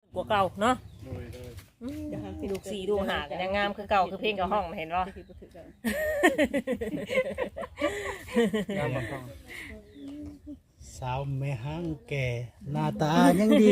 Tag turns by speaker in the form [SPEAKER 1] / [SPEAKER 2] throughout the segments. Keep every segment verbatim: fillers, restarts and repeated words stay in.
[SPEAKER 1] กว่าเก่าเนาะลูกสี่ลูกหากันยังงามคือเก่าคือเพลงกับห้องเห็นป่ะ
[SPEAKER 2] สาวแม่ห้างแก่หน้าตายังดี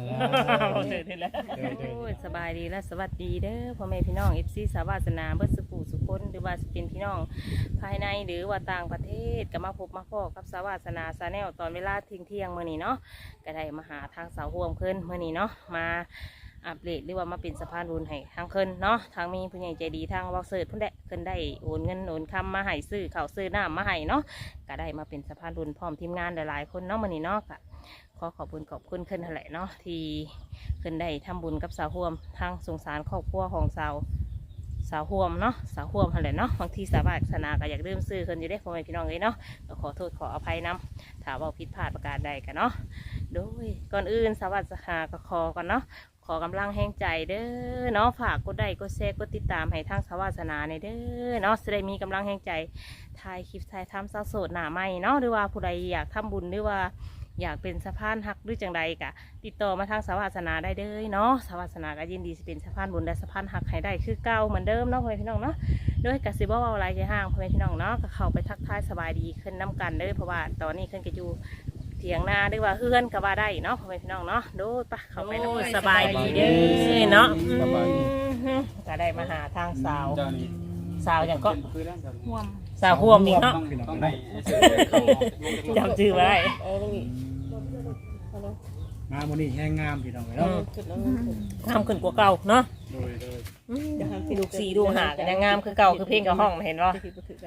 [SPEAKER 1] สบายดีและสวัสดีเด้อพ่อแม่พี่น้องเอฟซีสาวาสนาเบิร์สุขุสุคนหรือว่าเป็นพี่น้องภายในหรือว่าต่างประเทศก็มาพบมาพบกับสาวาสนาซาแนลตอนเวลาเที่ยงเที่ยงเมื่อนี้เนาะก็ได้มาหาทางสาวห่วมเพิ่นเมื่อนี้เนาะมาอัปเดตหรือว่ามาเป็นสะพานบุญให้ทางเพิ่นเนาะทางมีผู้ใหญ่ใจดีทางวอลเซิร์ตเพิ่นได้เพิ่นได้โอนเงินโอนคำมาให้ซื้อข้าวซื้อน้ำมาให้เนาะก็ได้มาเป็นสะพานบุญพร้อมทีมงานหลายๆคนเนาะมื่อนี้เนาะก็ขอขอบคุณขอบคุณขึ้นนั่นแหละเนาะที่ขึ้นได้ทำบุญกับสาวห่วมทางสงสารครอบครัวของสาวสาวห่วมเนาะสาวห่วมนั่นแหละเนาะบางทีสาวาสนาก็อยากเริ่มซื้อขึ้นอยู่ได้พ่อแม่พี่น้องเลยเนาะก็ขอโทษขออภัยนำถ้าว่าผิดพลาดประการใดกันเนาะโดยก่อนอื่นสาวาสนาก็ขอกันเนาะขอกำลังแห่งใจเด้อเนาะฝากกดไลค์กดแชร์กดติดตามให้ทางสาวาสนาในเด้อเนาะจะได้มีกำลังแห่งใจถ่ายคลิปถ่ายทำสาวโสดหน้าใหม่เนาะหรือว่าผู้ใดอยากทำบุญหรือว่าอยากเป็นสะพานหักหรือจังใดกะติดต่อมาทางสาวาสนาได้เด้อเนาะสาวาสนาก็ยินดีจะเป็นสะพานบุญและสะพานหักให้ได้คือเก่าเหมือนเดิมเนาะพ่อแม่พี่น้องเนาะโดยกสิบ่เอาอะไรใจห้างพ่อแม่พี่น้องเนาะก็เข้าไปทักทายสบายดีขึ้นน้ำกันเด้อเพราะว่าตอนนี้ขึ้นก็อยู่เถียงนาหรือว่าเฮือนก็ว่าได้เนาะพ่อแม่พี่น้องเนาะดูปะเข้าไปน้ำสบายดีเด้อเนาะก็ได้มาหาทางสาวสาวอย่างก็ห่วมสาวห่วมอีกเนาะจำชื่อไว้
[SPEAKER 2] งามวันนี้แห้งงามพี่น้องเนาะ
[SPEAKER 1] งามขึ้นกว่าเก่าเนาะลูกสี่ลูกหากันยังงามคือเก่าคือเพลงกับห้องเห็นป่ะ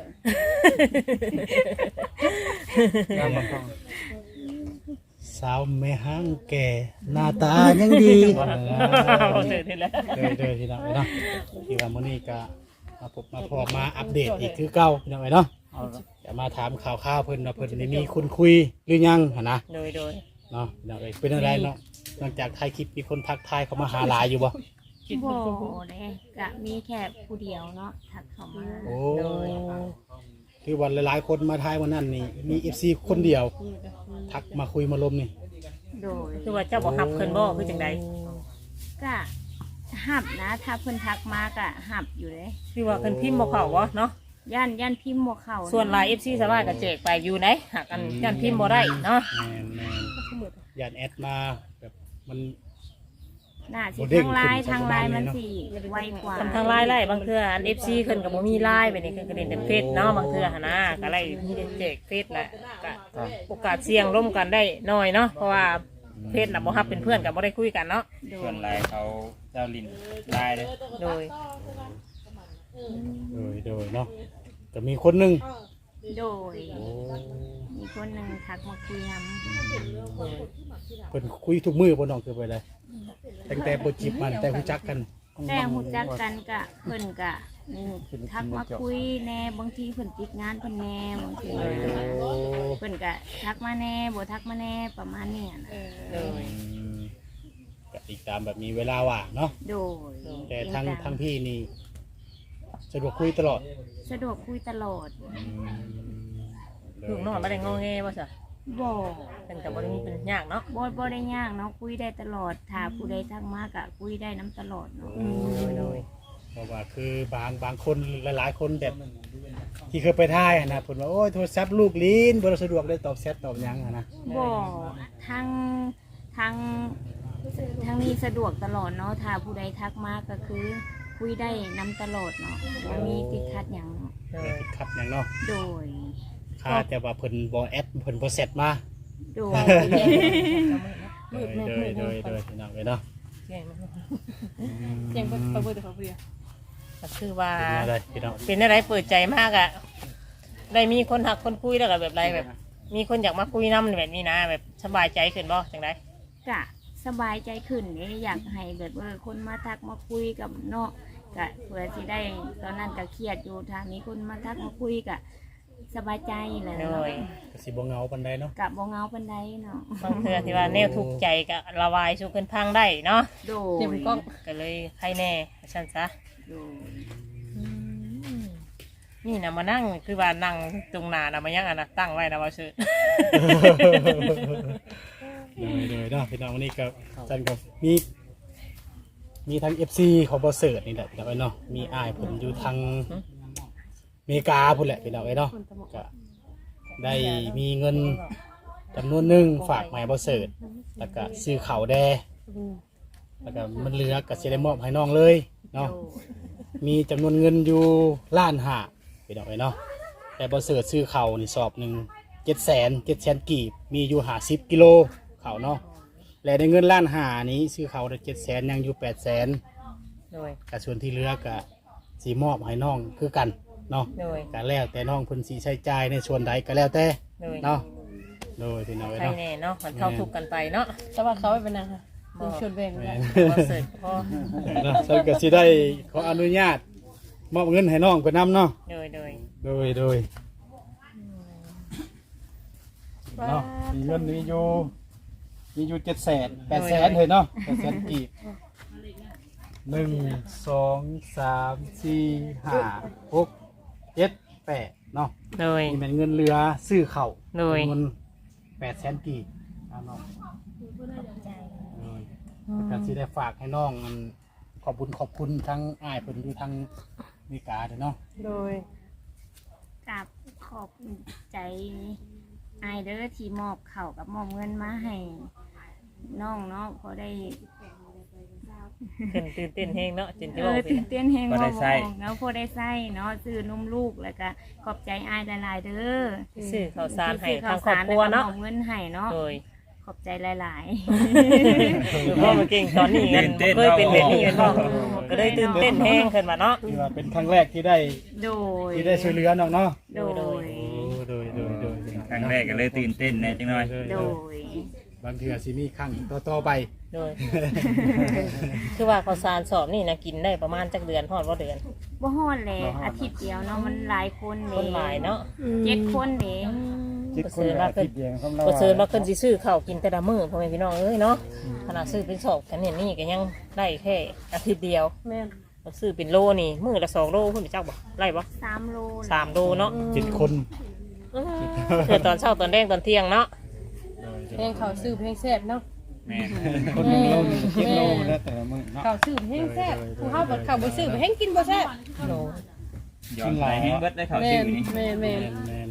[SPEAKER 2] สาวแม่ห้างแก่หน้าตายังดีเดยเดยพี่น้องเนาะที่ว่ามื้อนี้ก็มาพบมาพอมาอัปเดตอีกคือเก่าพี่น้องเนาะจะมาถามข่าวข่าวเพิ่นว่าเพิ่นได้มีคนคุยหรือยังหั่นนะ
[SPEAKER 1] โดยโดย
[SPEAKER 2] เนาะพี่น้องเอ้ยเป็นอะไรเนาะหลังจากถ่ายคลิปมีคนทักทายเข้ามาหาหลายอยู่บ่
[SPEAKER 3] บ่เลยกะมีแค่ผู้เดียวเนาะทักเข้ามา
[SPEAKER 2] โอ้คือวันหลายๆคนมาทายวันนั้นนี่มี เอฟ ซี คนเดียวทักมาคุยมาลมนี่
[SPEAKER 3] โดย
[SPEAKER 1] คือว่าเจ้าบ่ฮับเพิ่นบ่คือจังได๋
[SPEAKER 3] ก็ฮับนะถ้าเพิ่นทักมาก็ฮับอยู่เลย
[SPEAKER 1] คือว่าเพิ่นพิมพ์บ่เข้าบ่เนาะ
[SPEAKER 3] ย่านย่านพิมพ์บ่เข้า
[SPEAKER 1] ส่วนหลาย เอฟ ซี สามารถก็แจกไปอยู่ไหนหากกันย่านพิมพ์บ่ได้เนาะ
[SPEAKER 2] ย่านแอดมาแบบมัน
[SPEAKER 3] น่าสิทางไลน์ทางไลน์มันสิไวกว่า
[SPEAKER 1] ทางไลน์ไล่บางเทื่ออัน เอฟ ซี เพิ่นก็บ่มีไลน์แบบนี้เพิ่นก็เล่นแต่เฟซเนาะบางเทื่อหั่นนะก็ไล่มีแต่แจกเฟซแหละก็โอกาสเสี่ยงร่วมกันได้น้อยเนาะเพราะว่าเฟซน่ะบ่ฮับเป็นเพื่อนกันบ่ได้คุยกันเนาะ
[SPEAKER 4] ส่วนไลน์เขาเจ้าลินไลน์เลย
[SPEAKER 1] โดย
[SPEAKER 2] โดยโดยเนาะแต่มีคนหนึ่ง
[SPEAKER 3] โดยมีคนหนึ่งทักมาคุยน
[SPEAKER 2] ำเพิ่นคุยทุกมือบนน้องคือไปเลยตั้งแต่โปรจิบมันแต่รู้จักกัน
[SPEAKER 3] แต่รู้จักกันกะเพิ่นกะทักมาคุยแน่บางทีเพิ่นติดงานเพิ่นแน่บางทีเพิ่นกะทักมาแน่บ่ทักมาแน่ประมาณนี้นะ
[SPEAKER 1] โดย
[SPEAKER 2] ก็ติดตามแบบมีเวลาว่างเนาะ
[SPEAKER 3] โดย
[SPEAKER 2] แต่ทางทางพี่นี่สะดวกคุยตลอด
[SPEAKER 3] สะดวกคุยตลอด
[SPEAKER 1] ลูกน้องบ่ได้งอแงบ่ซะ
[SPEAKER 3] บ่
[SPEAKER 1] เป็นแต่บ่ได้มีเป็นยากเนาะ
[SPEAKER 3] บ่บ่ได้ยากเนาะคุยได้ตลอดถ้าผู้ใดทักมาก็คุยได้น้ำตลอดเนาะ
[SPEAKER 2] โดยเพราะว่าคือบางบางคนหลายๆคนแบบที่เคยไปท่ายนะเพิ่นว่าโอ้ยโทรศัพท์ลูกลิ้นบ่สะดวกได้ตอบแชทตอบหยังนะ
[SPEAKER 3] บ่ทางทางทางนี้สะดวกตลอดเนาะถ้าผู้ใดทักมาก็คือคุยได้น้ำตลอดเนาะบ่มีติดขัดหยัง
[SPEAKER 2] ติดขัดหยังเนาะ
[SPEAKER 3] โดย
[SPEAKER 2] ค่าแต่ว่าเพิ่นบ่แอดเพิ่นบ่เสร็จมา
[SPEAKER 3] โดย
[SPEAKER 2] โดยโดยโดยโดยพี่น้องเนาะ
[SPEAKER 1] เสียงเปิดเปิดแต่เขาเปลี่ยนก็คือว่าเป็นอะไรเปิดใจมากอ่ะได้มีคนหักคนคุยแล้วก็แบบไรแบบมีคนอยากมาคุยน้ำแบบนี้นะแบบสบายใจขึ้นบ่จังได
[SPEAKER 3] กะสบายใจขึ้นเนี่ยอยากให้แบบว่าคนมาทักมาคุยกับเนาะกะเพื่อที่ได้ตอนนั้นก็เครียดอยู่ทางนี้คนมาทักมาคุยกะสบายใจเลยเนาะ
[SPEAKER 2] ก็สิบ่เหงาปานใดเนาะ
[SPEAKER 3] กับบ่เหงาปานใดเนาะ
[SPEAKER 1] บางเทื่อที่ว่าแนวทุกข์ใจก็ระบายสู่เพิ่นพังได้เนาะ
[SPEAKER 3] โด
[SPEAKER 1] ยก็ก็เลยใครแน่ฉันซะ
[SPEAKER 3] โดย
[SPEAKER 1] นี่นะมานั่งคือว่านั่งตรงหน้านะมายังอ่ะนะตั้งไว้นะว่าซื่อ
[SPEAKER 2] เลยเลยเนาะพี่น้องวันนี้ก็จันกับมีมีทั้ง เอฟ ซี ของบ่เสิร์ชนี่แหละพี่น้องเอ้ยเนาะมีอ้ายเพิ่นอยู่ทางอเมริกาพุ่นแหละพี่น้องเอ้ยเนาะก็ได้มีเงินจำนวนหนึงฝากมาให้บ่เสิร์ชแล้วก็ซื้อข้าวแดแล้วก็มันเหลือก็สิได้มอบให้น้องเลยเนาะมีจำนวนเงินอยู่ล้านห้าพี่น้องเอ้ยเนาะแต่บ่เสิร์ชซื้อข้าวนี่สอบหนึงเจ็ดแสนเจ็ดแสนกีบมีอยู่ห้าสิบกิโลข้าวเนาะและในเงินล้านห้านี้ซื้อข้าวได้เจ็ดแสนยังอยู่แปดแสน
[SPEAKER 1] โดย
[SPEAKER 2] กับส่วนที่เหลือก็สีมอบให้น้องคือกันเนาะ
[SPEAKER 1] โดย
[SPEAKER 2] ก็แล้วแต่น้องเพิ่นสิใช้จ่ายในส่วนใดก็แล้วแต่
[SPEAKER 1] โดย
[SPEAKER 2] เนาะโดยพี่น้อง
[SPEAKER 1] ใคร
[SPEAKER 2] เนาะ
[SPEAKER 1] แน่เนาะมันเข้าทุกข์กันไปเนาะ
[SPEAKER 5] แต่ว่าเขาไม่เป็นนางค่ะเป็นชวนแบ่ง
[SPEAKER 2] แม่
[SPEAKER 5] กัน
[SPEAKER 2] น
[SPEAKER 1] บ่เสิร์ชพอ
[SPEAKER 2] เนาะฉันก็สิได้ขออนุญาตมอบเงินให้น้องเพิ่นนํเนาะ
[SPEAKER 1] โดยโดย
[SPEAKER 2] โดยโดยเนาะมีเงินมีอยู่มีอยู่เจ็ดแสนแปดแสนเลยเนาะแปดแสนกีบหนึ่งสองสามสี่ห้าหกเจ็ดแปดเนาะ
[SPEAKER 1] โดย
[SPEAKER 2] นี่เป็นเงินเรือซื้อเข่าว
[SPEAKER 1] โดย
[SPEAKER 2] เงินแปดแสนกีบเอาน้องการที่ได้ฝากให้น้องมันขอบคุณขอบคุณทั้งอ้ายเพิ่นอยู่ทั้งอเมริกาเด้อเนาะ
[SPEAKER 5] โดย
[SPEAKER 3] กับขอบใจอายเด้อที่มอบเข่าวกับมอบเงินมาให้น้องเนาะพอได้
[SPEAKER 1] ขึ้นตื่นเต้นแฮงเนาะจนจะ
[SPEAKER 3] เอ
[SPEAKER 1] บอก
[SPEAKER 3] อ
[SPEAKER 1] ไป
[SPEAKER 3] ตื่น
[SPEAKER 1] นะ
[SPEAKER 3] เต้นแฮง
[SPEAKER 4] พอได้ใช้
[SPEAKER 3] แล้วพอได้ใส่เนาะซื้อนมลูกแล้วก็ขอบใจอายหลายๆเด้อ
[SPEAKER 1] ซื้อข้าวสารให้
[SPEAKER 3] ที่
[SPEAKER 1] ทางคร
[SPEAKER 3] ซื้
[SPEAKER 1] อบครัวเนาะ
[SPEAKER 3] ข้สรแล้ก็มอบเงินให้เนาะ
[SPEAKER 1] โดย
[SPEAKER 3] ขอบใจหลาย
[SPEAKER 1] คือพ่อมันเก่งตอนนี้กันบ่เคยเป็นแบบนี้กันบ่ก็เลยตื่นเต้นแฮงขึ้นมาเนาะ
[SPEAKER 2] ที่ว่าเป็นครั้งแรกที่ได้
[SPEAKER 3] ๆ โดย
[SPEAKER 2] ที่ได้ช่วยเหลือน้องเนาะ
[SPEAKER 3] โดย
[SPEAKER 2] โอ้โดยโดยโดย
[SPEAKER 4] ครั้งแรกก็เลยตื่นเต้นแน่จังหน่อย
[SPEAKER 3] โดย
[SPEAKER 2] บางทีอาจสิมีครั้งต่อๆไป
[SPEAKER 1] โดย คือว่าข้าวสารสอบนี่นะกินได้ประมาณจักเดือนฮอดว่าเดือน
[SPEAKER 3] บ่ฮอดเลยอาทิตย์เดียวเนาะมันหลายคนเด้
[SPEAKER 1] คนหลายเนาะ
[SPEAKER 3] เจ็ดคนเด้
[SPEAKER 1] บ่ซื้อว่าเพิ่นบ่ซื้อว่าเพิ่นสิซื้อข้าวกินแต่ละมื้อพ่อแม่พี่น้องเอ้ยเนาะขนาดซื้อเป็นสอบกันเนี่ยนี่ก็ยังได้แค่อาทิตย์เดียว
[SPEAKER 5] แม่น
[SPEAKER 1] บ่ซื้อเป็นโลนี่มื้อละสองโลเพิ่นไปจักบ่ไล่บ่
[SPEAKER 3] สามโล
[SPEAKER 1] สามโลเนาะ
[SPEAKER 2] เจ็ดคน
[SPEAKER 1] เกิดตอนเช้าตอนแดงตอนเที่ยงเนาะ
[SPEAKER 5] เพลงเขาซื้อเพลงแซ่บเนาะ
[SPEAKER 4] แม่น
[SPEAKER 2] คนหนึ่งโลหนึ่งเจ็ดโลแล้วแต่ละมื้อเนาะ
[SPEAKER 5] เขาซื้อเพลงแซ่บผู้เฮาบ่เขาบ่ซื้อเพลงกินบ่แซ่บ
[SPEAKER 1] โล
[SPEAKER 4] ย้อนไปให้เบิดได้เขา
[SPEAKER 5] แม่
[SPEAKER 4] ชื่อน นี่
[SPEAKER 5] แม่นแม่น
[SPEAKER 2] แม่น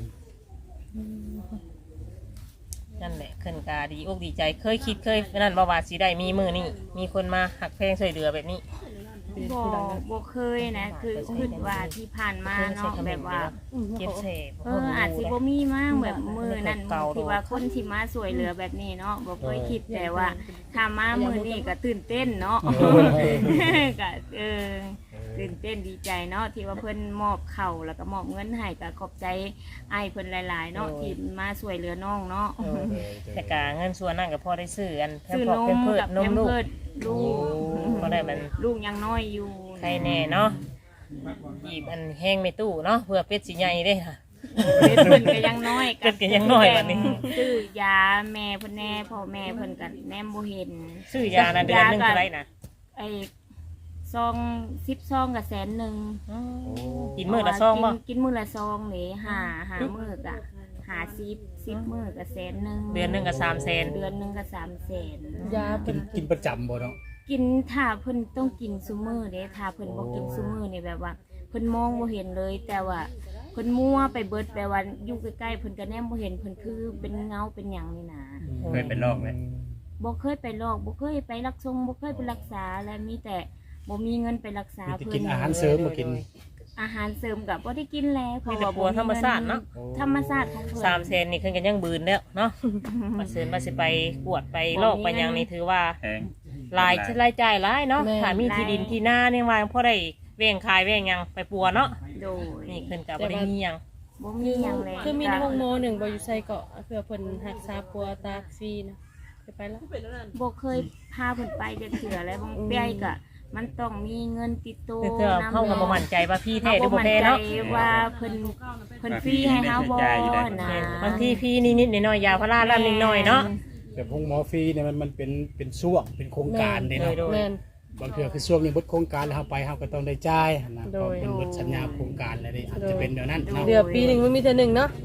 [SPEAKER 1] นั่นแหละขึ้นกาดีอกดีใจเคยคิดเคยนั่นว่าว่าสิได้มีมื้อนี้มีคนมาหักแพงช่วยเหลือแบบนี้
[SPEAKER 3] บ่บ่เคยนะคือคิดว่าที่ผ่านมาเนาะแบบว่า
[SPEAKER 1] เก็บเศษ
[SPEAKER 3] เอออาจสิบ่มีมากแบบมือนั่น
[SPEAKER 1] เก่า
[SPEAKER 3] ที่ว่าคนที่มาสวยเหลือแบบนี้เนาะบ่เคยคิดแต่ว่าถ้ามามือนี้ก็ตื่นเต้นเนาะก็เออตื่นเต้นดีใจเนาะที่ว่าเพิ่นมอบเข่าวแล้วก็มอบเงินให้ก็ขอบใจอ้ายเพิ่นหลายๆเนาะที่มาสวยเหลือน้องเนาะ
[SPEAKER 1] เออแต่กาเงินส่วนนั่นก็พอได้ซื้ออันแพม
[SPEAKER 3] ซื้อ
[SPEAKER 1] พอน
[SPEAKER 3] ม
[SPEAKER 1] เพิ่ม
[SPEAKER 3] กับ
[SPEAKER 1] น
[SPEAKER 3] แพ
[SPEAKER 1] ม
[SPEAKER 3] ม
[SPEAKER 1] ลูก
[SPEAKER 3] เพิร์ดลูก
[SPEAKER 1] ก็ได้มัน
[SPEAKER 3] ลูกยังน้อยอยู่
[SPEAKER 1] ใครแน่เนาะหยิบอันแห้งไม่ตู้เนาะเพื่อเป็ดสีใหญ่ได้ค่ะ
[SPEAKER 3] เพิ่นก็ยังน้อย
[SPEAKER 1] เพิ่นก็ยังน้อยบัดนี้
[SPEAKER 3] ซื้อยาแม่เพิ่นแน่พ่อแม่เพิ่นก็แนมบ่เห็น
[SPEAKER 1] ซื้อยานะเดือนหนึงเท่าไหรนะ
[SPEAKER 3] ไอ้ซองสิบซองกับแสนหนึ่ง
[SPEAKER 1] กินมื้อละซองบ่
[SPEAKER 3] กินกินมื้อละซองนี่หาหามื้อกะหาสิบสิบมื้อกับแสนหนึ่ง
[SPEAKER 1] เดือนหนึงก็สามแสน
[SPEAKER 3] เดือนหนึ่งกับสามแสน
[SPEAKER 5] ยา
[SPEAKER 2] กิ
[SPEAKER 5] เป็น
[SPEAKER 2] นกินประจำบ่เนาะ
[SPEAKER 3] กินถ้าเพิ่นต้องกินซุมื้อเด้ถ้าเพิ่นบ่กินซุมื้อนี่แบบว่า เพิ่นมองบ่เห็นเลย แต่ว่าเพิ่นมั่วไปเบิดแปลว่าอยู่ใกล้ๆเพิ่นก็แนมบ่เห็นเพิ่นคือเป็นเงาเป็นหยังนี่นะ
[SPEAKER 4] เคยเป็นโรคไหม
[SPEAKER 3] บ่เคยไปลอกบ่เคยไปรักษาบ่เคยไปรักษาและมีแต่บ่มีเงินไปรักษา
[SPEAKER 2] มีแต่
[SPEAKER 3] เพิ่
[SPEAKER 2] กิ
[SPEAKER 3] น
[SPEAKER 2] นอาหารเสริมมากิน
[SPEAKER 3] อาหารเสริมกับบ่ได้กินแล้วเพ
[SPEAKER 1] มี
[SPEAKER 3] ราะ
[SPEAKER 1] แต่
[SPEAKER 3] ว่า
[SPEAKER 1] ปัวธรรมชาติเนาะ
[SPEAKER 3] ธรรมชาติของเพิ่น
[SPEAKER 1] สามแสนนี่ขึ้นกันยังบืนแล้วเนาะมาเสริมมาสิไปกวดไปโรคไปหยังนี่ถือว่า
[SPEAKER 4] แพง
[SPEAKER 1] รายรายจ่ายหลายเนาะถ้ามีที่ดินที่นาเนี่ยว่าพอได้เว้งขายเว้งหยังไปปัวเนาะ
[SPEAKER 3] โดย
[SPEAKER 1] นี่ขึ้นกับบ่ได้มีหยัง
[SPEAKER 3] บ่มีหยังเลย
[SPEAKER 5] คือมีในห้องโมหนึ่งบ่อยู่ใส่เกาะเพื่อเพิ่นรักษาปัวตาฟรีนะไปไปแล้ว
[SPEAKER 3] บ่เคยพาเพิ่นไปจักเทื่อแล้วบางเปียก็มันต้องมีเงินติดตัว
[SPEAKER 1] คือเธอเข้ากับบ่มั่นใจว่าพี่แท้หรือบ่
[SPEAKER 3] มั่น
[SPEAKER 1] แท้
[SPEAKER 3] ใจ
[SPEAKER 1] เนาะ
[SPEAKER 3] ว่าเพิ่นเพิ่นฟรีให้เฮาบ่นะ
[SPEAKER 1] บางทีพี่นิดๆหน่อยๆยาพาราล่ำนิดหน่อยเนาะ
[SPEAKER 2] แต่พวกหมอฟรีเนี่ยมันมันเป็นเป็นช่วงเป็นโครงการเด้เนาะ
[SPEAKER 1] โดย
[SPEAKER 5] แม่น
[SPEAKER 2] บางเทื่อคือช่วงนี้เบดโครงการแล้วเฮาไปเฮาก็ต้องได้จ่ายนะ
[SPEAKER 5] โด
[SPEAKER 2] เพราะ
[SPEAKER 5] ย
[SPEAKER 2] เป็นเบดสัญญาโครงการแล้วนี่อาจจะเป็นแบบนั้นเนาะ
[SPEAKER 5] เดือนปีหนึงมันมีแต่หนึ่งเนาะ
[SPEAKER 2] แม่น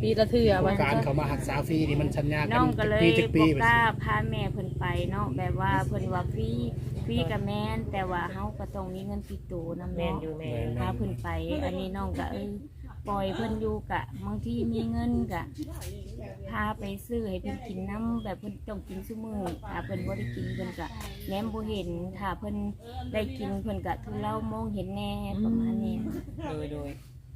[SPEAKER 5] ปีละเทื่อว่า
[SPEAKER 2] การเขามาหักษาฟรีนี่มันชันยาก
[SPEAKER 3] น้องก็เลย
[SPEAKER 2] ปีจักปี
[SPEAKER 3] บ่
[SPEAKER 2] ไป
[SPEAKER 3] กล้าพาแม่เพิ่นไปเนาะแบบว่าเพิ่นว่าฟรีฟรีกับแม่นแต่ว่าเฮาก็ต้องมีเงินติดตัวนำ
[SPEAKER 1] แม่น
[SPEAKER 3] เนาะ
[SPEAKER 1] อยู่แม่
[SPEAKER 3] พาเพิ่นไป อันนี้น้องก็เออปล่อยเพิ่นอยู่กะบางทีมีเงินกะพาไปซื้อให้เพิ่นกินน้ำแบบเพิ่นต้องกินซุมื้อถ้าเพิ่นบ่ได้กินเพิ่นก็แหนมบ่เห็นถ้าเพิ่นได้กินเพิ่นก็ทุเลามองเห็นแน่ประมาณนี้
[SPEAKER 1] โดยโดย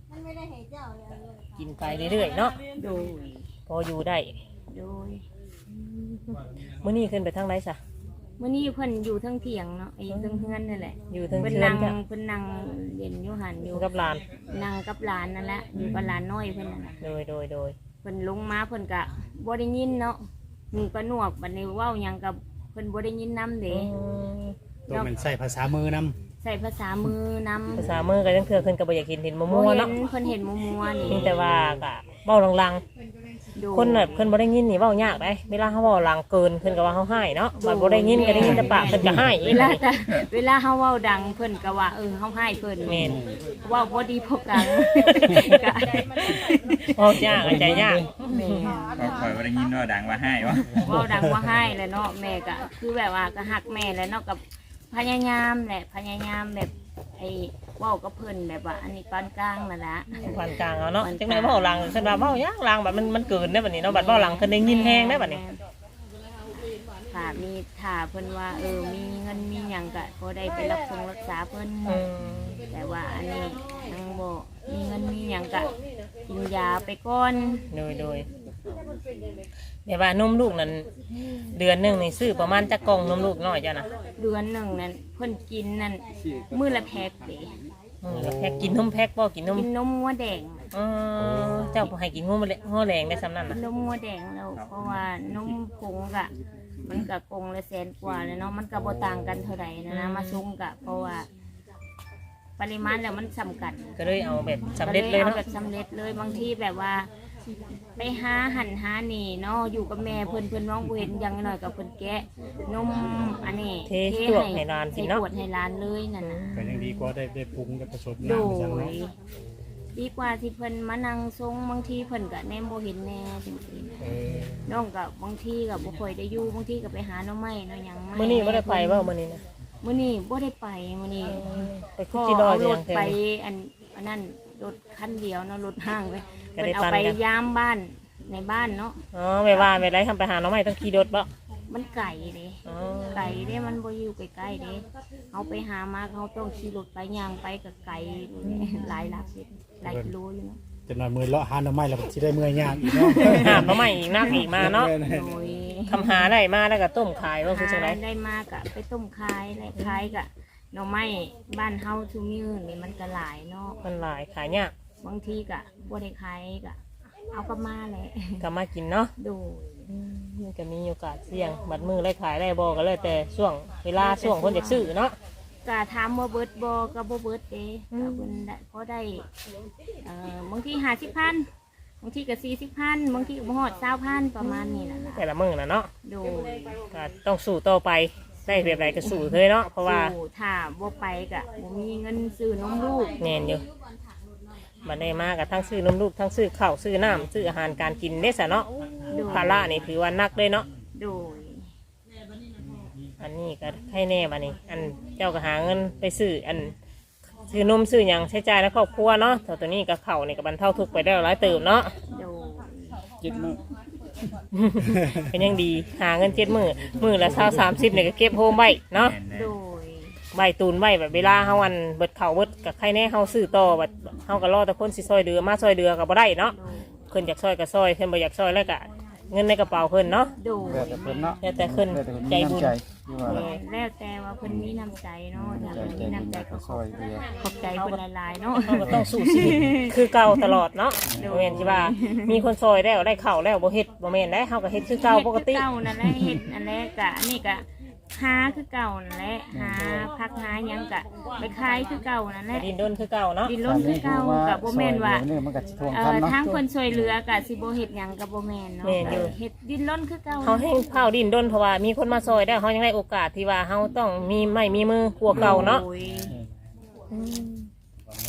[SPEAKER 1] กินไปเรื่อยๆเนาะ
[SPEAKER 3] โดย
[SPEAKER 1] พออยู่ได้
[SPEAKER 3] โดย
[SPEAKER 1] มื้อนี้ขึ้นไปทางไหนซะ
[SPEAKER 3] มื้อนี้เพิ่นอยู่เทั้งเถียงเนาะไอ้เทั้งเฮือนนั่นแหละ
[SPEAKER 1] อยู่เทิง
[SPEAKER 3] เพิ่น
[SPEAKER 1] เทือน
[SPEAKER 3] นั่ง
[SPEAKER 1] จ้ะ
[SPEAKER 3] เพิ่นนั่งเรียนอยู่หันอ
[SPEAKER 1] อยู่ ยู่กับหลาน
[SPEAKER 3] นั่งกับหลานนั่นแหละอยู่กับหลานน้อยเพิ่นนั่นแหละ
[SPEAKER 1] โดยโดยโดย
[SPEAKER 3] เพิ่นลงมาเพิ่นก็บ่ได้ยินเนาะหูก็หนวกบัดนี้เว้าหยังกับเพิ่นบ่ได้ยินนำเด้
[SPEAKER 2] ตัวมันใส่ภาษามือนำ
[SPEAKER 3] ใส่ภาษามือนำ
[SPEAKER 1] ภาษามือก็ยังเทื่อขึ้นก็บ่อยากกินเห็นมั่
[SPEAKER 3] บ่
[SPEAKER 1] วๆ
[SPEAKER 3] เห็
[SPEAKER 1] เนาะ
[SPEAKER 3] นเพิ่นเห็นมัวๆนี่
[SPEAKER 1] เพียงแต่ว่าก็เว้าลัง
[SPEAKER 3] ดู
[SPEAKER 1] ๆคนน่ะเพิ่นบ่ได้ยินนี่เว้ายากได้เวลาเฮาเว้าลังเกินเพิ่นก็ว่าเฮาให้เนาะบัดบ่ได้ยินก็ได้ยินแต่ปากเพิ่นก็ให้
[SPEAKER 3] เวลาแต่เวลาเฮาเว้าดังเพิ่นก็ว่าเออเฮาให้เพิ่น
[SPEAKER 1] แม่น
[SPEAKER 3] เว้าบ่ดีพบกันก็
[SPEAKER 1] เว้ายากอะใจยาก
[SPEAKER 3] แม่
[SPEAKER 4] ก็คอยว่าได้ยินว่าดังว่าให้วะ
[SPEAKER 3] เว้าดังว่าให้แหละเนาะแม่ก็คือแบบว่าก็ฮักแม่แหละเนาะกับพยายามแหละพยายามแบบไอ้เว้ากับเพิ่นแบบว่าอันนี้ปานกลางนั่นล่ะ
[SPEAKER 1] ปานกลางเอาเนาะจังได๋เว้าลังเพิ่นว่าเว้ายากลังบัดมันมันเกินได้บัดนี้เนาะบัดเว้าลังเพิ่นได้ยินแฮงได้บัดนี้
[SPEAKER 3] ถ้ามีถ้าเพิ่นว่าเออมีเงินมีหยังก็พอได้ไปรับส่งรักษาเพิ่น
[SPEAKER 1] อืม
[SPEAKER 3] แต่ว่าอันนี้ยังบ่มีเงินมีหยังก็กินยาไปก่อน
[SPEAKER 1] โดยโดยแต่ว่านมลูกนั้นเดือนหนึงนี่ซื้อประมาณจักกล่องนมลูกน้อยจ้ะนะ
[SPEAKER 3] เดือนหนึ่งนั่นเพิ่นกินนั่นมื้อละแพ็คเด้
[SPEAKER 1] อืมแล้วแพ็กกินนมแพ็กบ่กินนม
[SPEAKER 3] กินนมงัวแดง
[SPEAKER 1] เออเจ้าบ่ให้กินงูมาเลยงูแรงได้ซ้ำนั่น
[SPEAKER 3] กิ
[SPEAKER 1] น่ะ
[SPEAKER 3] นนมงัวแดงแล้วเพราะว่านมผงก็มันก็กงละแสนกว่าเลยเนาะมันก็บ่ต่างกันเท่าไหร่นะนะมาซุงก็เพราะว่า ปริมาณแล้วมันสำคัญ
[SPEAKER 1] ก็เลยเอาแบบสำเร็จเลย
[SPEAKER 3] อา
[SPEAKER 1] เนาะ
[SPEAKER 3] แบบสำเร็จเลยบางทีแบบว่า ไปหาหันหานี่เนาะอยู่กับแม่เพิ่นเพิ่นน้องบ่เห็นอยังน้อยกับเพิ่นแกะนมอันนี้
[SPEAKER 1] เทตวกให้ร้าน
[SPEAKER 3] เท
[SPEAKER 1] กินเนาะ
[SPEAKER 3] ขวดให้ร้านเลยนั่นน่ะ
[SPEAKER 2] ก็ยังดีกว่าได้ได้ปรุงได้ผสม
[SPEAKER 3] โด
[SPEAKER 2] น้ำจัง
[SPEAKER 3] ย
[SPEAKER 2] เนาะ
[SPEAKER 3] ดีกว่าที่เพิ่นมานั่งทรงบางทีเพิ่นก็แนมบ่เห็นแน่จริง
[SPEAKER 2] เออ
[SPEAKER 3] ๆน้องก็บางทีก็บ่ค่อยได้อยู่บางทีก็ไปหาหน่อไม้เนาะหยังมา
[SPEAKER 1] มื้อนี้บ่ได้ไปเว้ามื้อนี้นะ
[SPEAKER 3] มื้อนี้บ่ได้ไปมื้อนี้
[SPEAKER 1] ไป
[SPEAKER 3] พ
[SPEAKER 1] คุ
[SPEAKER 3] อก
[SPEAKER 1] จิดอ
[SPEAKER 3] เอา
[SPEAKER 1] ย
[SPEAKER 3] ร
[SPEAKER 1] ยั
[SPEAKER 3] ถ
[SPEAKER 1] งเทิ
[SPEAKER 3] ไป
[SPEAKER 1] ง
[SPEAKER 3] อันอันนั้นรถคันเดียวเนาะรถห้างไป
[SPEAKER 1] ก็
[SPEAKER 3] เพิ่
[SPEAKER 1] ได้
[SPEAKER 3] นเอา
[SPEAKER 1] ปั่น
[SPEAKER 3] ไป
[SPEAKER 1] กัน
[SPEAKER 3] ยามบ้านในบ้านเนาะ
[SPEAKER 1] อ๋อไม่ว่าไม่ไรทำไปหาน้องใหม่ต้องขี่รถบ่
[SPEAKER 3] มันไก่เด้
[SPEAKER 1] อ๋อ
[SPEAKER 3] ไก่เด้มันบ่อยู่ใกล้ๆเด้เอาไปหามาเขาต้องขี่รถไปย่างไปกับไก่ดูเด้หลายหลักสิหลายกิโลอยู่เนาะ
[SPEAKER 2] จะนอนมือเลาะหาหน่อไม้แล้วสิได้เมื่อยยากอีกเนาะ
[SPEAKER 1] หาน้องใหม่อีกนักอีกมาเนาะ
[SPEAKER 3] โดย
[SPEAKER 1] คำหาได้มาแล้วก็ต้มขายว่าคือจังไร
[SPEAKER 3] หาได้มากะไปต้มคายและคายกะหน่อไม้บ้านเฮาชูมือนี่มันก็หลายเนาะ
[SPEAKER 1] มันหลายขายยาก
[SPEAKER 3] บางทีกะบ่ได้ขายกะเอากลับมาแหละ
[SPEAKER 1] ก็มากินเนาะ
[SPEAKER 3] โดย
[SPEAKER 1] มันก็มีโอกาสเสี่ยงบัดมือได้ขายได้บ่ก็เลยแต่ช่วงเวลาช่วงคนอยากซื้อเนาะ
[SPEAKER 3] กะถามว่าเบิดบ่ก็บ่เบิดเด้ก็เพิ่นได้พอได้เอ่อบางทีห้าสิบพันบางทีก็สี่สิบพันบางทีก็บ่ฮอดเก้าพันประมาณนี้ล่ะล่ะ
[SPEAKER 1] แต่ละมือน่ะเนาะ
[SPEAKER 3] โดย
[SPEAKER 1] ก็ต้องสู้ต่อไปได้แบบไรก็สู้เลยเนาะเพราะว่า
[SPEAKER 3] สู่ถ้าบ่ไปกะบ่มีเงินซื้อนมลูก
[SPEAKER 1] แน่นอยู่บัดได้มากับทั้งซื้อนมลูกทั้งซื้อข้าวซื้อน้ำซื้ออาหารการกินเด้ซะเนาะ
[SPEAKER 3] โดย
[SPEAKER 1] ภาระนี่ถือว่านักเลยเนาะ
[SPEAKER 3] โดย
[SPEAKER 1] อันนี้ก็ให้แน่บัดนี้ อันเจ้าก็หาเงินไปซื้ออันซื้อนมซื้อหยังใช้จ่ายในครอบครัวเนาะแต่ตัวนี้ก็เข่านี่ก็บรรเทาทุกข์ไปได้หลายเติมเนาะ
[SPEAKER 3] โดย
[SPEAKER 2] จิตมือ
[SPEAKER 1] เป็นยังดีหาเงินเจ็ดมือมือละเท่าสามสิบเนี่ยก็เก็บโฮมไว้เนาะ
[SPEAKER 3] โดย
[SPEAKER 1] ใบตูนไว้แบบเวลาเฮาวันเบิดเข่าเบิดกับใครแน่เฮาซื้อต่อแบบเฮาก็รอแต่คนสิซอยเดือมาซอยเดือก็บ่ได้เนาะ
[SPEAKER 3] โดย
[SPEAKER 1] เพิ่นอยากซอยก็ซอยเพิ่นบ่อยากซอยแล้วก็เงินในกระเป๋าเพิ่นเนาะ
[SPEAKER 3] โดย
[SPEAKER 6] แล้วแต่เพิ่นเนาะ
[SPEAKER 1] แล้วแต่เพิ่น
[SPEAKER 6] แล้วแต่เพิ่น
[SPEAKER 1] ใจ
[SPEAKER 6] มี
[SPEAKER 1] บุญ
[SPEAKER 6] น้ำใจที่ว่า
[SPEAKER 3] แล้วแต่ว่าเพิ่นมีน้ำใจเนาะถ้า
[SPEAKER 6] ใจ
[SPEAKER 3] เพิ่น
[SPEAKER 6] ใจ
[SPEAKER 3] มี
[SPEAKER 6] บุญ
[SPEAKER 3] น้ำใจ
[SPEAKER 6] แล้ว
[SPEAKER 3] ก็
[SPEAKER 6] ก็
[SPEAKER 3] ข
[SPEAKER 6] ซ
[SPEAKER 3] อบ
[SPEAKER 6] อยเรือ
[SPEAKER 3] ขอบใจเพิ่นหลายๆเนาะ
[SPEAKER 1] เฮาก็ต้องสู้ชีวิตคือเก่าตลอดเนาะบ่แม่นสิว่ามีคนซอยแล้วได้ข้าวแล้วบ่เฮ็ดบ่แม่นได้เฮาก็เฮ็ดคือเก่าปกติ
[SPEAKER 3] เฮ็ดคือเก่านั่นแหละเฮ็ดนั่นแหละกะอันนี้กะหาคือเก่านั่นแหละหาพักหาหยังกะไปขายคือเก่านั่นแหละ
[SPEAKER 1] ดินดนคือเก่าเนาะ
[SPEAKER 3] ดินล้นคือเก่ากับบ่แม่นว่า
[SPEAKER 6] เนี่ยมันก็สิทวง
[SPEAKER 3] เอ่
[SPEAKER 6] ทัน
[SPEAKER 3] อ
[SPEAKER 6] เนาะ
[SPEAKER 3] ทางคนช่วยเหลือกับสิบ่เฮ็ดหยังกับบ่แม่นเนาะเฮ็ดดินล้นคือเก่า
[SPEAKER 1] เฮาให้เผาดินดนเพราะว่ามีคนมาซอยได้วเฮายังได้โอกาสที่ว่าเฮาต้องมีไม้มีมือกลัวเก่าเนาะ
[SPEAKER 3] โอ้ย
[SPEAKER 1] อืม
[SPEAKER 2] วันนี้เฮามี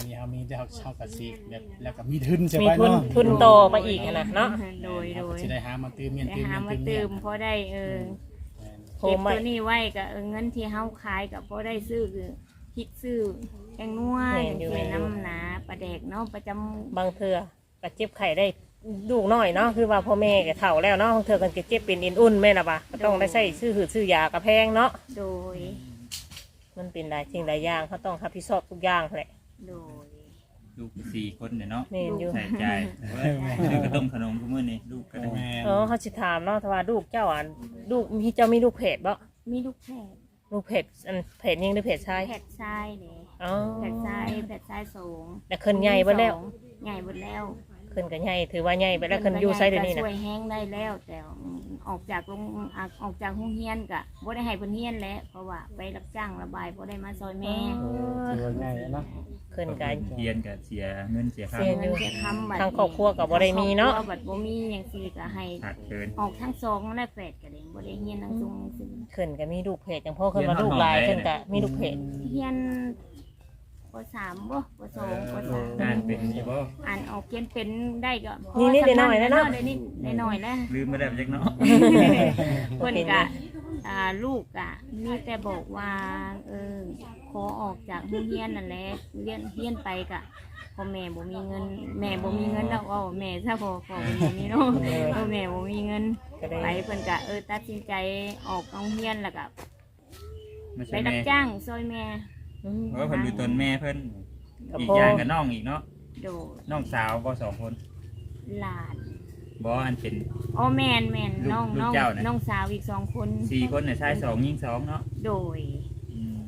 [SPEAKER 2] จะเฮาเฮาก็สิแบบแล้วก็มีทุนใช่
[SPEAKER 1] มี
[SPEAKER 2] ไหม
[SPEAKER 1] ทุน
[SPEAKER 2] เนาะ
[SPEAKER 1] ทุนโตมาอีกหั้นนะเนาะ
[SPEAKER 3] โดยโดย
[SPEAKER 2] สิได้หามาตื้มเงิน
[SPEAKER 3] ได้
[SPEAKER 2] ตื้ม
[SPEAKER 3] หา
[SPEAKER 2] เงิน
[SPEAKER 3] มา
[SPEAKER 2] ตื้ม
[SPEAKER 3] เติ
[SPEAKER 2] เงิ
[SPEAKER 3] ม
[SPEAKER 2] น
[SPEAKER 3] พอได้เออ
[SPEAKER 1] โฮ
[SPEAKER 3] เก็บ
[SPEAKER 1] มไว้
[SPEAKER 3] ตัวนี้ไว้ก็เออเงินที่เฮาขายก็พอได้ซื้อคือพริกซื้อแกงนัวอย่างที่น้ำหนาปลาแดกเนาะประจำ
[SPEAKER 1] บางเทื่อก็เจ็บไข้ได้ลูกน้อยเนาะคือว่าพ่อแม่ก็เฒ่าแล้วเนาะบางเทื่อกันก็เจ็บเป็นอินอุ่นแม่นล่ะบ่ะก็ต้องได้ใช้ซื้อหืดซื้อยากระแพงเนาะ
[SPEAKER 3] โดย
[SPEAKER 1] มันเป็นหลายสิ่งหลายอย่างเขาต้องรับผิดชอบทุกอย่างแหละ
[SPEAKER 3] โดย
[SPEAKER 4] ลูกสี่คนเนี่ยเนาะ
[SPEAKER 1] แม่นอยู่
[SPEAKER 4] ใส่ใจซื้อกระต้มขนมทุกมื้อนี่ลูกก็ได้
[SPEAKER 2] แม่
[SPEAKER 1] เออเขาสิถามเนาะถ้าว่าลูกเจ้าอ่ะลูกมีเจ้ามีลูกเพจบ่
[SPEAKER 3] มีลูกแพทย์
[SPEAKER 1] ลูกเพจอันเพจยิงหรือเพจชาย
[SPEAKER 3] แพทย์ทรายเนี่ย
[SPEAKER 1] อ๋อ
[SPEAKER 3] แพทย์ทรายแพทย์ทรายสูง
[SPEAKER 1] แต่คนใหญ่เบ่แล้ว
[SPEAKER 3] ใหญ่หมดแล้ว
[SPEAKER 1] คนก็ใหญ่ถือว่าใหญ่ไปแล้วคนอยู่ไสเดี๋ยวนี้
[SPEAKER 3] ก็
[SPEAKER 1] นะ
[SPEAKER 3] ช่วยแห้งได้แล้ว แต่ออกจากโรงอ่ะออกจากห้องเฮียนกะบ่ได้ให้เพิ่นเฮียนแล้วเพราะว่าไปรับจ้างระบายบ่ได้มาซอยแม่
[SPEAKER 2] ถือว่าง่ายเนาะ
[SPEAKER 1] คนก็
[SPEAKER 4] เรียนก็เสียเงินเสียค่า
[SPEAKER 1] เสียอยู่
[SPEAKER 3] เสียคำบัด
[SPEAKER 1] ทางครอบครัวก็บ่ได้มีเนาะ
[SPEAKER 3] ครอบครัวบัดบ่มีอย่างซี่ก็ให้
[SPEAKER 4] ขาดเกิน
[SPEAKER 3] ออกทั้งสองและแฝดก็ได้บ่ได้เฮียนทั้งสองซึ่ง
[SPEAKER 1] คนก็มีลูกเพจอย่างพ่อคนมาลูกหลายคนก็มีลูกเพจ
[SPEAKER 3] เฮียนปสามบ่ปสองปสาม
[SPEAKER 4] อ่านเป็นอยู่บ่
[SPEAKER 3] อ่านออกเขียนเป็นได้ก็พ
[SPEAKER 1] นี่นิดๆหน่อยๆนะเนาะ
[SPEAKER 3] ได้นิดได้หน่อยแล้ว
[SPEAKER 4] ลืมไม่ได้ไปจักเนาะ
[SPEAKER 3] เพิ่นกะอ่าลูกกะมีแต่บอกว่าเออขอออกจากโรงเรียนนั่นแหละเรียนเรียนไปกะพ่อแม่บ่มีเงิน แม่บ่มีเงินแล้วเอาแม่ซะพอพอบ่มีเนาะพ่อแม่บ่มีเงิน
[SPEAKER 1] ก็ได้
[SPEAKER 3] ไปเพิ่นกะเออตัดสินใจออกโรงเรียนแล้วก็
[SPEAKER 4] ไม่
[SPEAKER 3] ไป
[SPEAKER 4] ใช่
[SPEAKER 3] รั
[SPEAKER 4] แม่
[SPEAKER 3] บจ้างซอยแม่
[SPEAKER 1] อืม
[SPEAKER 4] เพราะว่าเพิ่นดูตนแม่เพิ่น
[SPEAKER 1] กับ
[SPEAKER 4] อีก
[SPEAKER 1] พ่อ
[SPEAKER 4] อย่างกับน้องอีกเนาะ
[SPEAKER 3] โดด
[SPEAKER 4] น้องสาวบ่สองคน
[SPEAKER 3] หลาน
[SPEAKER 4] บ่อันเป็น
[SPEAKER 3] อ๋อแม่นแม่น
[SPEAKER 4] ลูก
[SPEAKER 3] น้อง
[SPEAKER 4] ลูก
[SPEAKER 3] น้อง
[SPEAKER 4] เจ้าน่ะ
[SPEAKER 3] น้องสาวอีกสองคน
[SPEAKER 4] สี่คนเนี่ยชายสองหญิงสองเนาะ
[SPEAKER 3] โดย
[SPEAKER 4] อืม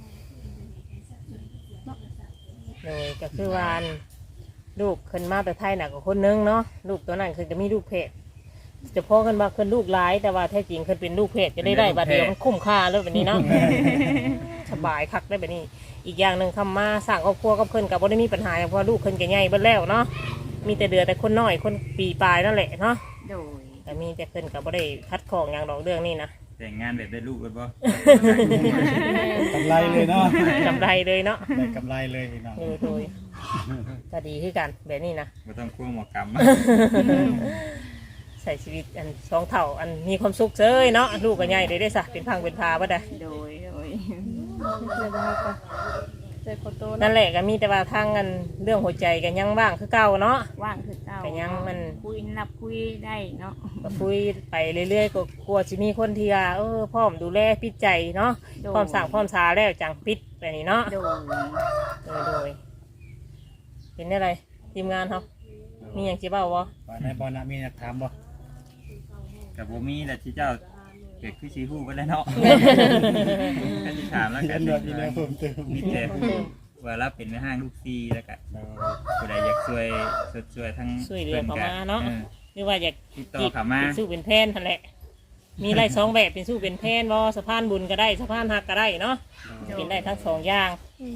[SPEAKER 1] โดยก็คือว่าอันลูกคนมาแต่ไทยน่ะก็คนนึงเนาะลูกตัวนั้นคือจะมีลูกเพจจะพ่อกันมาคนลูกหลายแต่ว่าแท้จริงคนเป็นลูกเพจจะได้ได้บัดเดียวมันคุ้มค่าเลยแบบนี้เนาะ สบายคักได้แบบนี้ อีกอย่างหนึ่งคำมาสร้างครอบครัวกับเพิ่นกับบ่ได้มีปัญหาอย่างเพราะลูกเพิ่นก็ใหญ่เบิดแล้วเนาะมีแต่เดือแต่คนน้อยคนปีปลายนั่นแหละเนาะ
[SPEAKER 3] โดย
[SPEAKER 1] แต่มีแต่เพิ่นกับบ่ได้คัดของอย่างดอกเรื่องนี้นะ
[SPEAKER 4] แต่งงานแบบได้ลูกเลยบ่
[SPEAKER 2] กำไรเลยเนาะ
[SPEAKER 1] กำไรเลยเนาะ
[SPEAKER 2] ได้กำไรเลยพี่น้อง
[SPEAKER 1] โดยโดยก็ดีคือกันแบบนี้นะ
[SPEAKER 4] บ่ต้องควงหมอกรรม
[SPEAKER 1] ใส่ชีวิตอันสองเท่าอันมีความสุขเซยเนาะลูกก็ใหญ่เลยได้สะเป็นพังเป็นพาบ่ได้
[SPEAKER 3] โดยโดย
[SPEAKER 5] ใจขอโตนะ
[SPEAKER 1] นั่นแหละก็มีแต่ว่าทางกันเรื่องหัวใจกันยังว่างคือเก่าเนาะ
[SPEAKER 3] ว่างคือเก่า
[SPEAKER 1] แต่ยังมัน
[SPEAKER 3] คุยนับคุยได้เนาะ
[SPEAKER 1] ก็คุยไปเรื่อยๆก็กลัวจะมีคนที่ว่าเออพร้อมดูแลปิดใจเนาะ
[SPEAKER 3] โดย
[SPEAKER 1] พร้อมสั่งพร้อมสาแล้วจังปิดแบบนี้เนาะ
[SPEAKER 3] โดย
[SPEAKER 1] โดยโดยเป็นอะไรทีมงานเขามีอย่างจีเบ้าวะ
[SPEAKER 2] ว่าในบอลนะมีนักถามบ่
[SPEAKER 4] กับบ่มีแหละที่เจ้าเกิดคือชีฮู้ก็ได้เนาะก็สิถามแล้ว
[SPEAKER 2] เขี
[SPEAKER 4] กั
[SPEAKER 2] ย
[SPEAKER 4] น
[SPEAKER 2] นแบบนี้นะเพิ่มเติม
[SPEAKER 4] มีแต่ว่ารับเป็นแม่ห้างลูกซีแล้วก็ผู้ใดอยากช่วยสดช่วยทั้ง
[SPEAKER 1] ช่วยเหลือเขามาเนาะ
[SPEAKER 4] ออ
[SPEAKER 1] หรือว่าอยาก
[SPEAKER 4] ติดต่อเขามา
[SPEAKER 1] เป็นสู้เป็นแพนนั่นแหละ มีไล่สองแบบเป็นสู้เป็นแพนวอสะพานบุญก็ได้สะพานหักก็ได้เนาะเป็นได้ทั้งสองอย่าง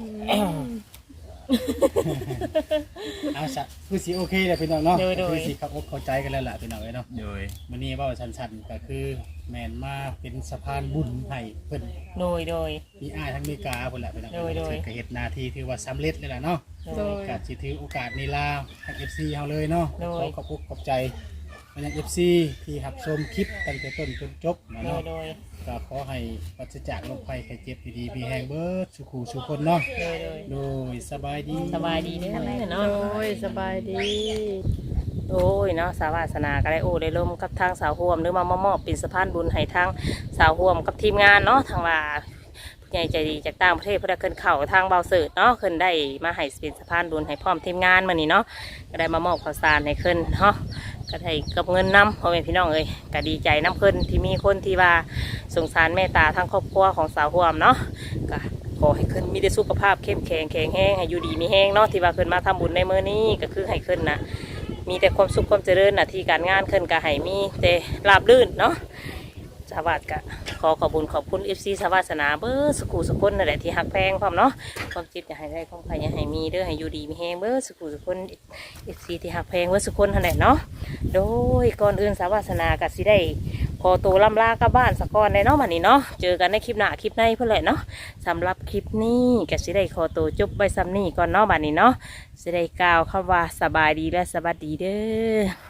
[SPEAKER 2] เอาซะคือสิโอเคเลยพี่น้องเนาะ
[SPEAKER 1] โดยโดย
[SPEAKER 2] คือสิเข้าอกเข้าใจกันแล้วล่ะพี่น้องเอ้ยเนาะ
[SPEAKER 4] โดย
[SPEAKER 2] มื้อนี้เว้าสั้นๆก็คือแม่นมาเป็นสะพานบุญให้เพิ่น
[SPEAKER 1] โดยโดย
[SPEAKER 2] มีอ้ายทั้งอเมริกาพุ่นแหละพี่น้อง
[SPEAKER 1] โดยโดย
[SPEAKER 2] ก็เฮ็ดหน้าที่ถือว่าสำเร็จเลยล่ะเนาะ
[SPEAKER 5] โดย
[SPEAKER 2] ก็สิถือโอกาสนี้ลาทาง เอฟ ซี เฮาเลยเนาะ
[SPEAKER 1] โดย
[SPEAKER 2] ขอขอบอกขอบใจมายัง เอฟ ซี ที่รับชมคลิปตั้งแต่ต้นจนจบนะ
[SPEAKER 1] โดย
[SPEAKER 2] เนาะ
[SPEAKER 1] โดย
[SPEAKER 2] ก็ขอให้ปราศจากโรคภัยไข้เจ็บดีๆมีแฮงเบิดสุขูสุคนเนาะ
[SPEAKER 1] โดยโดย
[SPEAKER 2] โดยสบายดี
[SPEAKER 1] สบายดีเด้อเนาะ
[SPEAKER 5] โอ้ยสบายดี
[SPEAKER 1] โอ้ยเนาะสาววาสนาก็ได้โอ้ได้ร่วมกับทางสาวห่วมหรือมามามอบเป็นสะพานบุญให้ทางสาวห่วมกับทีมงานเนาะทางว่าผู้ใหญ่ใจดีจากต่างประเทศเพื่อได้ขึ้นเข่าทางเบาเสิร์ตเนาะขึ้นได้มาให้เป็นสะพานบุญให้พร้อมทีมงานมานี่เนาะก็ได้มามอบข้าวสารให้ขึ้นเนาะก็ได้กับเงินนำพ่อแม่พี่น้องเอ้ยก็ดีใจน้ำขึ้นที่มีคนที่ว่าสงสารเมตตาทางครอบครัวของสาวห่วมเนาะก็ขอให้ขึ้นมีแต่สุขภาพเข้มแข็งแข็งแรงให้อยู่ดีมีแห้งเนาะที่ว่าขึ้นมาทำบุญในมื้อนี้ก็คือให้ขึ้นนะมีแต่ความสุขความเจริญหน้าที่การงานขึ้นก็ให้มีแต่ราบรื่นเนาะสวัสดิ์ก็ขอขอบคุญขอบคุณเอฟซีสวัสนาเบอร์สกูสกุลนั่นแหละที่หักแพงพร้อมเนาะความจิตอย่าให้ได้ความใครอย่าให้มีเด้อให้อยู่ดีมีแห้งเบอร์สกูสกุลเอฟซีที่หักแพงเบอร์สกุลนั่นแหละเนาะโดยก่อนอื่นสวัสนาก็สิได้ขอตัวล่ำลากลับบ้านสักก่อนเลยเนาะบัดนี้เนาะเจอกันในคลิปหน้าคลิปในเพื่อนแหละเนาะสำหรับคลิปนี้ก็สิได้ขอตัวจบไว้ซ้ำนี้ก่อนเนาะบัดนี้เนาะสิได้กล่าวคำว่าสบายดีและสวัสดีเด้อ